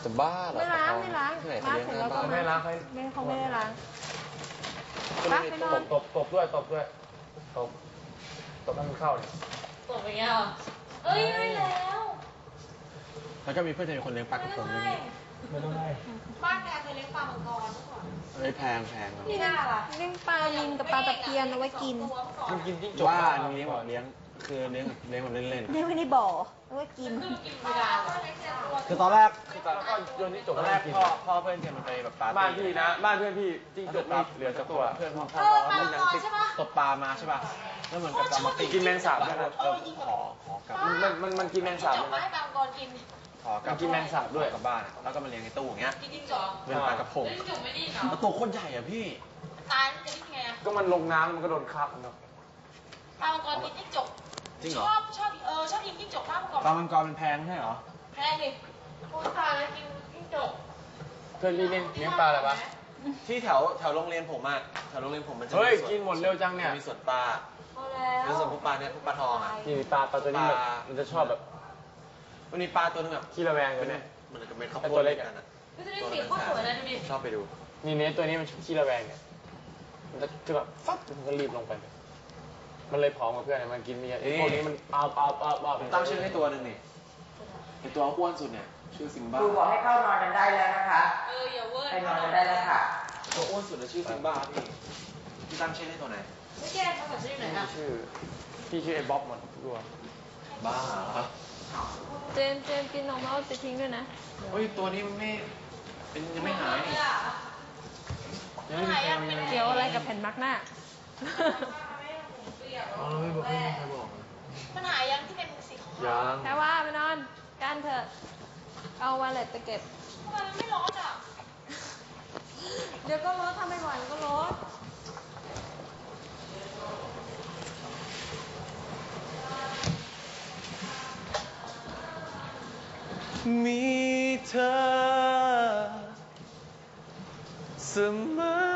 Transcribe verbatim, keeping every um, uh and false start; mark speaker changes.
Speaker 1: จะบ้าเหรอ
Speaker 2: ไม่ล้างไม่ล้าง
Speaker 1: ที่ไหน
Speaker 2: ล้าง
Speaker 1: เลี้ยง
Speaker 2: เสร็จ
Speaker 1: หน้า
Speaker 2: แล้วก็
Speaker 1: บ้าน
Speaker 2: ไม่
Speaker 3: ไม่ล้างให้
Speaker 2: ไม่เขาไม่ได้ล้าง
Speaker 1: ก็
Speaker 2: ล้าง
Speaker 1: ไม่
Speaker 2: ไป
Speaker 1: มี
Speaker 2: นอ
Speaker 1: ต
Speaker 2: น
Speaker 1: บ
Speaker 3: ตบตบด้วยตบด้วยตบตบให้มันเข้าเนี่ย
Speaker 4: ตกไปยังเอ้ยไม่แล้ว
Speaker 1: แล้วก็มีเพื่อนเธอคนเลี้ยงปลากระพงด้วยนี่
Speaker 3: ไม่ต้องให้
Speaker 4: บ้านแกเคยเลี้ยงปลามังกรเมื่อก่อน
Speaker 1: เฮ้ยแพงแพงครับ
Speaker 4: นี่น่าล่ะ
Speaker 2: เลี้ยงปลานิลกับปลาตะเพียนเอาไว้กิน
Speaker 3: มันกินจิ้งจก
Speaker 1: ว่าอันนี้เลี้ยงแบบเลี้ยงคือเลี้ยงเลี้ยงแบบเล่น
Speaker 2: เลี้ยงไว้ในบ่อเอาไว้กิน
Speaker 4: คือกินเวลา
Speaker 1: ๆคือตอนแรกคือตอน
Speaker 3: แล้วก็โยนจิ้งจก
Speaker 1: ตอนแรกพ่อพ่อเพื่อนเธอมันไปแบบปาร์ตี้
Speaker 3: บ้านพี่นะ บ้านเพื่อนพี่จิ้งจกนี่เหลือสักตัว
Speaker 1: เพื่อนพ่อพ่อ
Speaker 4: เออปลา
Speaker 1: พ่อ
Speaker 4: มัง
Speaker 1: นั
Speaker 4: ก
Speaker 1: ง
Speaker 4: ร
Speaker 1: ติด
Speaker 4: ใช่ปะ
Speaker 1: ตกปลามาใช่ป่ะแล้วเหมือนกับจะมาติด
Speaker 3: กินแมงสาบ
Speaker 1: แล้วก็เออขอขอกลับ
Speaker 3: มันมันมันกินแมงสาบ
Speaker 4: จ
Speaker 3: เล
Speaker 4: บ
Speaker 3: ย
Speaker 4: มา
Speaker 3: นะ
Speaker 4: ให้ปลามังกรกิน
Speaker 1: ขอกลับ
Speaker 3: กินแมงสาบด้วย
Speaker 1: กลับบ้านอะแล้วก็มาเลี้ยงในตู้อย่างเงี้ย
Speaker 4: กินจิ้งจอก
Speaker 1: เป็นปลากระพง
Speaker 4: แล้วจิ้งจกไม่ดิ้นเหรอ
Speaker 1: แล้วตัวโคตรใหญ่อะพี่
Speaker 4: ตายมันจะดิ้นไงอะ
Speaker 3: ก็มันลงน้ำมันก็โดนคาบเนาะ
Speaker 4: ปลามังกรกินจิ้งจก
Speaker 1: จริงเหรอ
Speaker 4: ชอบชอบเออชอบกินจิ้งจกปลามังกร
Speaker 1: ปลามังกรมันแพงใช่เหรอ
Speaker 4: แพงดิโอ้ยตายแล้วกินจิ้งจก
Speaker 3: เพื่อนพี่เลี้ยงเลี้ยงปลาอะไรปะ
Speaker 1: ที่แถวแถวโรงเรียนผมอะแถวโรงเรียนผมมันจะ
Speaker 3: เฮ้ย
Speaker 1: สวน
Speaker 3: กินหมดเร็วจังเนี่ย
Speaker 1: มีสวนปลา
Speaker 4: พอแล้ว
Speaker 1: แล้วส่วนพวกปลาเนี่ยพวกปลาทองอะ
Speaker 3: นี่ปลาปลาตัวนี้แบบ
Speaker 1: ปลา
Speaker 3: มันจะชอบแบบ
Speaker 1: มันมีปลาตัวนึงแบบ
Speaker 3: ขี้ระแวงกัน
Speaker 1: เป็น
Speaker 3: เนี่ย
Speaker 1: เหมือนกับเม็ดข้าว
Speaker 3: ไอ้
Speaker 1: โพ
Speaker 3: ตั
Speaker 1: ด
Speaker 3: วเล็
Speaker 1: เล็
Speaker 3: ก
Speaker 1: ก
Speaker 3: อะ
Speaker 1: กันอะ
Speaker 4: ก็จะได้สีโคตรสวยเลยดูดิ
Speaker 1: ชอบไปดู
Speaker 3: นี่เนี่ยตัวนี้มันขี้ระแวงเนี่ยมันจะคือแบบฟับมันก็รีบลงไป มันเลยผอมกับเพื่อนเนี่ยมันกินไม่เยอะไอ้พวกนี้มันเปล่าเปล่าเปล่าเปล่า
Speaker 1: ผมตั้งชื่อให้ตัวหนึ่งนี่ไอตัวอ้วนสุดเนี่ยชื่อซิมบ้า
Speaker 5: ครูบอกให้เข้านอนกันได้แล้วนะคะ
Speaker 4: เอออย่าเวอร์
Speaker 5: ไปนอนกันได้แล้วค่ะ
Speaker 1: ตัวอ้วนสุดน่ะชื่อซิมบ้าพี่พี่ตั้งชื่อให้ตัวไหน
Speaker 4: ไม่แก้ภาษาชื่อไหนอ่ะ
Speaker 3: ชื่อพี่ชื่อไอ้บ๊อบหมดทุกตัว
Speaker 1: บ้าเหรอ
Speaker 2: เจมส์เจมส์กินนมแล้วเอาไปทิ้งด้วยนะ
Speaker 1: เฮ้ยตัวนี้มันไม่เป็นยังไม่หายนี่ยังไม่มีใครเอายัง
Speaker 2: เกี่ยวอะไรกับแผ่นมาร์กหน้า
Speaker 1: อ๋อไม่บอกไม่มีใครบอก
Speaker 4: มันหายยังที่เป็นสีขาว
Speaker 3: ยัง
Speaker 2: แค่ว่าไปนอนกันเถอะ เอาวาเล็ตไปเก็บ
Speaker 4: ทำไมมันไม่ร้อนอ่ะ
Speaker 2: เดี๋ยวก็ลดทำไม่ไหวมันก็ลด
Speaker 1: มีเธอเสมอ